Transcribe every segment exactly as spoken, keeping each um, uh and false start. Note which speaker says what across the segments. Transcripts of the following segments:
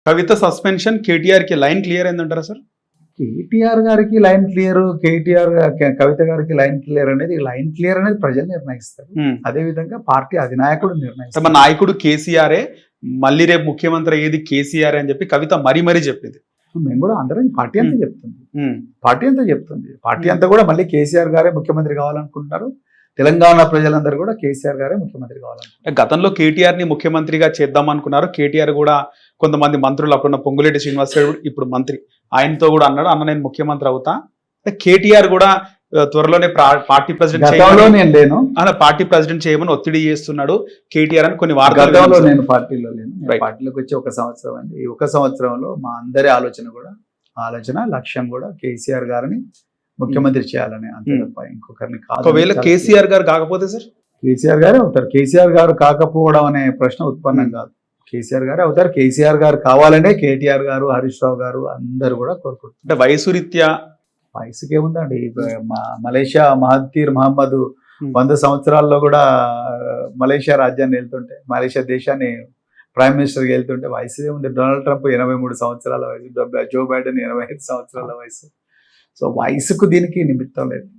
Speaker 1: కవిత suspension KTR కి line clear అయిందంటారా సార్?
Speaker 2: కేటీఆర్ గారికి లైన్ క్లియర్, కేటీఆర్ కవిత గారికి లైన్ క్లియర్ అనేది లైన్ క్లియర్ అనేది ప్రజలు నిర్ణయిస్తారు. అదే విధంగా పార్టీ అధినాయకుడు నిర్ణయిస్తారు.
Speaker 1: మా నాయకుడు కేసీఆరే, మళ్ళీ రేపు ముఖ్యమంత్రి అయ్యేది కేసీఆర్ అని చెప్పి కవిత మరీ మరీ చెప్పింది.
Speaker 2: మేము కూడా అందరం పార్టీ అంతా చెప్తుంది పార్టీ అంతా చెప్తుంది పార్టీ అంతా కూడా మళ్ళీ కేసీఆర్ గారే ముఖ్యమంత్రి కావాలనుకుంటున్నారు. తెలంగాణ ప్రజలందరూ కూడా కేసీఆర్ గారే ముఖ్యమంత్రి కావాలనుకుంటున్నారు.
Speaker 1: గతంలో కేటీఆర్ ని ముఖ్యమంత్రిగా చేద్దాం అనుకున్నారు. కేటీఆర్ కూడా కొంతమంది మంత్రులు, అప్పుడున్న పొంగులేటి శ్రీనివాసరావు ఇప్పుడు మంత్రి, ఆయనతో కూడా అన్నాడు అన్న నేను ముఖ్యమంత్రి అవుతా. కేటీఆర్ కూడా త్వరలోనే పార్టీ ప్రెసిడెంట్ పార్టీ ప్రెసిడెంట్ చేయమని ఒత్తిడి చేస్తున్నాడు కేటీఆర్ అని కొన్ని వార్తలు.
Speaker 2: నేను పార్టీలో లేను, పార్టీలోకి వచ్చి ఒక సంవత్సరం అండి. ఈ ఒక సంవత్సరంలో మా అందరి ఆలోచన కూడా ఆలోచన లక్ష్యం కూడా కేసీఆర్ గారిని ముఖ్యమంత్రి చేయాలని, అంతే తప్ప ఇంకొకరిని కాదు.
Speaker 1: ఒకవేళ కేసీఆర్ గారు కాకపోతే సార్
Speaker 2: కేసీఆర్ గారే అవుతారు. కేసీఆర్ గారు కాకపోవడం అనే ప్రశ్న ఉత్పన్నం కాదు, కేసీఆర్ గారే అవుతారు. కేసీఆర్ గారు కావాలనే కేటీఆర్ గారు, హరీష్ రావు గారు అందరు కూడా కోరుకుంటారు.
Speaker 1: అంటే వయసు రీత్యా
Speaker 2: వయసుకి ఏముందండి, మలేషియా మహతీర్ మహమ్మద్ వంద సంవత్సరాల్లో కూడా మలేషియా రాజ్యాన్ని వెళ్తుంటే, మలేషియా దేశాన్ని ప్రైమ్ మినిస్టర్కి వెళ్తుంటే వయసు ఏముంది. డొనాల్డ్ ట్రంప్ ఎనభై మూడు సంవత్సరాల వయసు, జో బైడెన్ ఎనభై ఐదు సంవత్సరాల వయసు. సో వయసుకు దీనికి నిమిత్తం లేదు,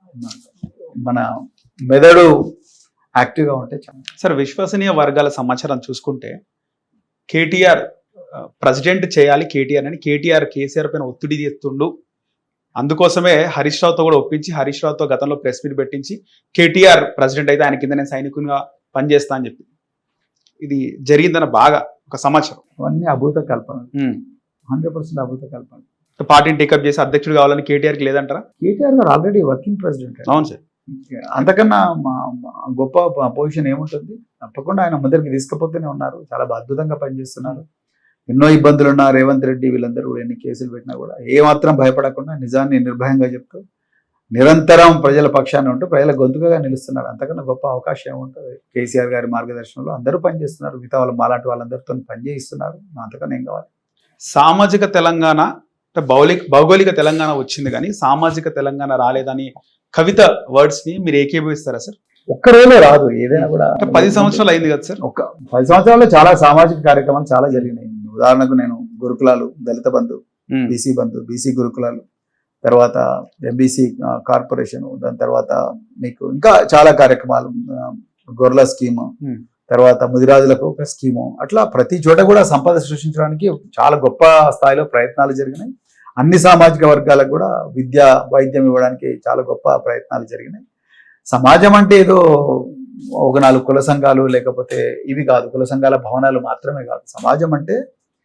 Speaker 2: మన మెదడు యాక్టివ్గా ఉంటే చాలా.
Speaker 1: సార్ విశ్వసనీయ వర్గాల సమాచారం చూసుకుంటే కేటీఆర్ ప్రెసిడెంట్ చేయాలి కేటీఆర్ అని కేటీఆర్ కేసీఆర్ పైన ఒత్తిడి చేస్తుండు. అందుకోసమే హరీష్ రావుతో కూడా ఒప్పించి హరీష్ రావుతో గతంలో ప్రెస్ మీట్ పెట్టించి కేటీఆర్ ప్రెసిడెంట్ అయితే ఆయన కింద నేను సైనికునిగా పనిచేస్తా అని చెప్పి ఇది జరిగిందన్న బాగా ఒక సమాచారం.
Speaker 2: అవన్నీ అభూత కల్పన, హండ్రెడ్ పర్సెంట్ అభూత కల్పన.
Speaker 1: పార్టీని టేకప్ చేసి అధ్యక్షుడు కావాలని కేటీఆర్కి లేదంటారా?
Speaker 2: కేటీఆర్ గారు ఆల్రెడీ వర్కింగ్ ప్రెసిడెంట్.
Speaker 1: అవును సార్,
Speaker 2: అంతకన్నా గొప్ప పొజిషన్ ఏముంటుంది? తప్పకుండా ఆయన ముందరికి తీసుకుపోతూనే ఉన్నారు, చాలా అద్భుతంగా పనిచేస్తున్నారు. ఎన్నో ఇబ్బందులు ఉన్నా రేవంత్ రెడ్డి వీళ్ళందరూ కూడా ఎన్ని కేసులు పెట్టినా కూడా ఏమాత్రం భయపడకుండా నిజాన్ని నిర్భయంగా చెప్తూ నిరంతరం ప్రజల పక్షాన్ని ఉంటూ ప్రజల గొంతుకగా నిలుస్తున్నాడు. అంతకన్నా గొప్ప అవకాశం ఏముంటుంది? కేసీఆర్ గారి మార్గదర్శనంలో అందరూ పనిచేస్తున్నారు, మిగతా వాళ్ళు మాలాంటి వాళ్ళందరితో పనిచేయిస్తున్నారు. అంతకన్నా ఏం కావాలి?
Speaker 1: సామాజిక తెలంగాణ భౌలిక భౌగోళిక తెలంగాణ వచ్చింది కానీ సామాజిక తెలంగాణ రాలేదని కవిత వర్డ్స్ ని మీరు ఏకీభవిస్తారా సార్?
Speaker 2: ఒక్క రోజులో రాదు, ఏదైనా కూడా.
Speaker 1: పది సంవత్సరాలు అయింది కదా సార్.
Speaker 2: ఒక పది సంవత్సరాల్లో చాలా సామాజిక కార్యక్రమాలు చాలా జరిగినాయి. ఉదాహరణకు నేను గురుకులాలు, దళిత బంధు, బీసీ బంధు, బీసీ గురుకులాలు, తర్వాత ఎంబీసీ కార్పొరేషన్, దాని తర్వాత మీకు ఇంకా చాలా కార్యక్రమాలు, గొర్రెల స్కీము, తర్వాత ముదిరాజులకు ఒక స్కీము, అట్లా ప్రతి చోట కూడా సంపద సృష్టించడానికి చాలా గొప్ప స్థాయిలో ప్రయత్నాలు జరిగినాయి. అన్ని సామాజిక వర్గాలకు కూడా విద్య వైద్యం ఇవ్వడానికి చాలా గొప్ప ప్రయత్నాలు జరిగినాయి. సమాజం అంటే ఏదో ఒక నాలుగు కుల సంఘాలు లేకపోతే ఇవి కాదు, కుల సంఘాల భవనాలు మాత్రమే కాదు. సమాజం అంటే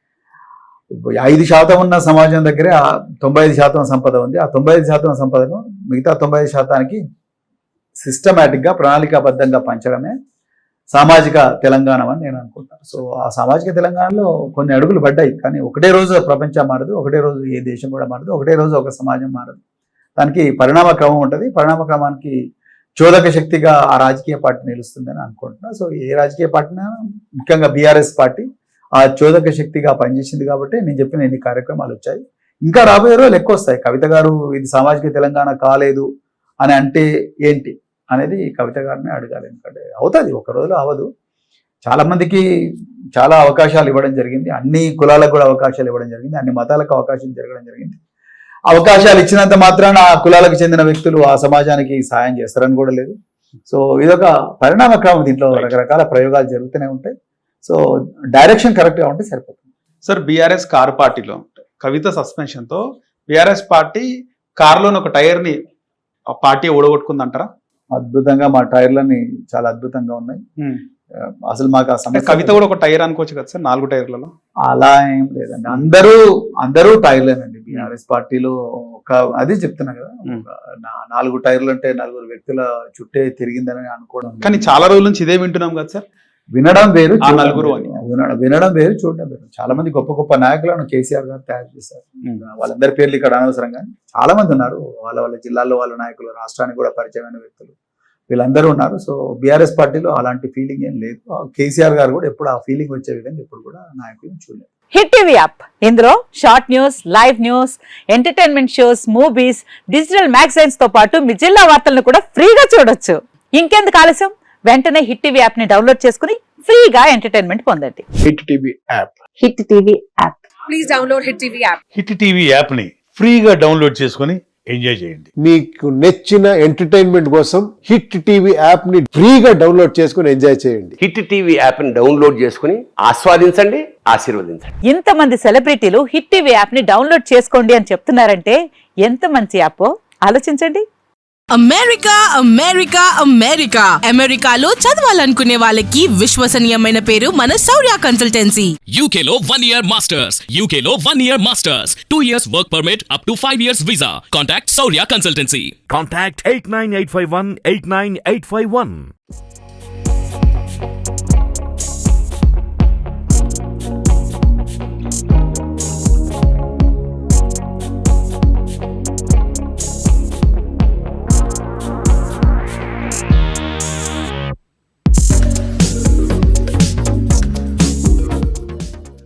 Speaker 2: ఐదు శాతం ఉన్న సమాజం దగ్గరే తొంభై ఐదు శాతం సంపద ఉంది. ఆ తొంభై ఐదు శాతం సంపదను మిగతా తొంభై ఐదు శాతానికి సిస్టమేటిక్గా ప్రణాళికాబద్ధంగా పంచడమే సామాజిక తెలంగాణ అని నేను అనుకుంటాను. సో ఆ సామాజిక తెలంగాణలో కొన్ని అడుగులు పడ్డాయి, కానీ ఒకటే రోజు ప్రపంచం మారదు, ఒకటే రోజు ఏ దేశం కూడా మారదు, ఒకటే రోజు ఒక సమాజం మారదు. దానికి పరిణామ క్రమం ఉంటుంది. పరిణామ క్రమానికి చోదక శక్తిగా ఆ రాజకీయ పార్టీ నిలుస్తుందని అనుకుంటున్నా. సో ఏ రాజకీయ పార్టీనా, ముఖ్యంగా బీఆర్ఎస్ పార్టీ ఆ చోదక శక్తిగా పనిచేసింది కాబట్టి నేను చెప్పిన ఎన్ని కార్యక్రమాలు వచ్చాయి. ఇంకా రాబోయే రోజులు ఎక్కువ వస్తాయి. కవిత గారు ఇది సామాజిక తెలంగాణ కాలేదు అని అంటే ఏంటి అనేది కవిత గారిని అడగాలి. ఎందుకంటే అవుతుంది, ఒక రోజులో అవ్వదు. చాలా మందికి చాలా అవకాశాలు ఇవ్వడం జరిగింది, అన్ని కులాలకు కూడా అవకాశాలు ఇవ్వడం జరిగింది, అన్ని మతాలకు అవకాశం జరగడం జరిగింది. అవకాశాలు ఇచ్చినంత మాత్రాన ఆ కులాలకు చెందిన వ్యక్తులు ఆ సమాజానికి సాయం చేస్తారని కూడా లేదు. సో ఇదొక పరిణామ క్రమం, దీంట్లో రకరకాల ప్రయోగాలు జరుగుతూనే ఉంటాయి. సో డైరెక్షన్ కరెక్ట్గా ఉంటే సరిపోతుంది.
Speaker 1: సార్ బీఆర్ఎస్ కార్ పార్టీలో కవిత సస్పెన్షన్తో బీఆర్ఎస్ పార్టీ కారులోని ఒక టైర్ని ఆ పార్టీ ఓడగొట్టుకుందంటారా?
Speaker 2: అద్భుతంగా మా టైర్లని చాలా అద్భుతంగా ఉన్నాయి. అసలు మాకు ఆ సమస్య,
Speaker 1: కవిత కూడా ఒక టైర్ అనుకోవచ్చు కదా సార్ నాలుగు టైర్లలో?
Speaker 2: అలా ఏం లేదండి, అందరూ అందరూ టైర్లేనండి బీఆర్ఎస్ పార్టీలో. ఒక అది చెప్తున్నా కదా, నాలుగు టైర్లు అంటే నలుగురు వ్యక్తుల చుట్టే తిరిగిందని అనుకోవడం.
Speaker 1: కానీ చాలా రోజుల నుంచి ఇదే వింటున్నాం కదా సార్.
Speaker 2: వినడం వేరు,
Speaker 1: నలుగురు
Speaker 2: వినడం వేరు, చూడడం వేరు. చాలా మంది గొప్ప గొప్ప నాయకులను కేసీఆర్ గారు తయారు చేశారు. వాళ్ళందరి పేర్లు ఇక్కడ అనవసరం, కానీ చాలా మంది ఉన్నారు. వాళ్ళ వాళ్ళ జిల్లాల్లో వాళ్ళ నాయకులు, రాష్ట్రానికి కూడా పరిచయమైన వ్యక్తులు వీళ్ళందరూ ఉన్నారు. సో బీఆర్ఎస్ పార్టీలో అలాంటి ఫీలింగ్ ఏం లేదు. కేసీఆర్ గారు కూడా ఎప్పుడు ఆ ఫీలింగ్ వచ్చే విధంగా ఎప్పుడు కూడా నాయకులు చూడలేదు.
Speaker 3: హిట్ టీవీ యాప్, ఇందులో short news, live news, entertainment shows, movies, digital magazines తో పాటు మీ జిల్లా వార్తలను కూడా ఫ్రీగా చూడొచ్చు. ఇంకెందుకు ఆలస్యం, వెంటనే హిట్ టీవీ యాప్ ని డౌన్లోడ్ చేసుకుని ఫ్రీగా ఎంటర్టైన్మెంట్ పొందండి.
Speaker 4: Hit TV app
Speaker 3: hit TV app.
Speaker 5: Please download Hit T V app.
Speaker 6: Hit TV యాప్ని ఫ్రీగా డౌన్లోడ్ చేసుకొని ఎంజాయ్ చేయండి.
Speaker 4: మీకు నచ్చిన ఎంటర్టైన్మెంట్ కోసం హిట్ టీవీ యాప్ ని ఫ్రీగా డౌన్లోడ్ చేసుకుని ఎంజాయ్ చేయండి.
Speaker 7: హిట్ టీవీ యాప్ని డౌన్లోడ్ చేసుకుని ఆస్వాదించండి, ఆశీర్వదించండి.
Speaker 3: ఇంతమంది సెలబ్రిటీలు హిట్ టీవీ యాప్ ని డౌన్లోడ్ చేసుకోండి అని చెప్తున్నారంటే ఎంత మంచి యాప్ ఆలోచించండి.
Speaker 8: అమెరికా అమెరికా అమెరికా అమెరికాలో చదవాలనుకునే వాళ్ళకి విశ్వసనీయమైన పేరు మన శౌర్య కన్సల్టెన్సీ.
Speaker 9: U K లో one year masters, U K లో one year masters, two years work permit up to five years visa. Contact Saurya Consultancy.
Speaker 10: Contact eight nine eight five one eight nine eight five one.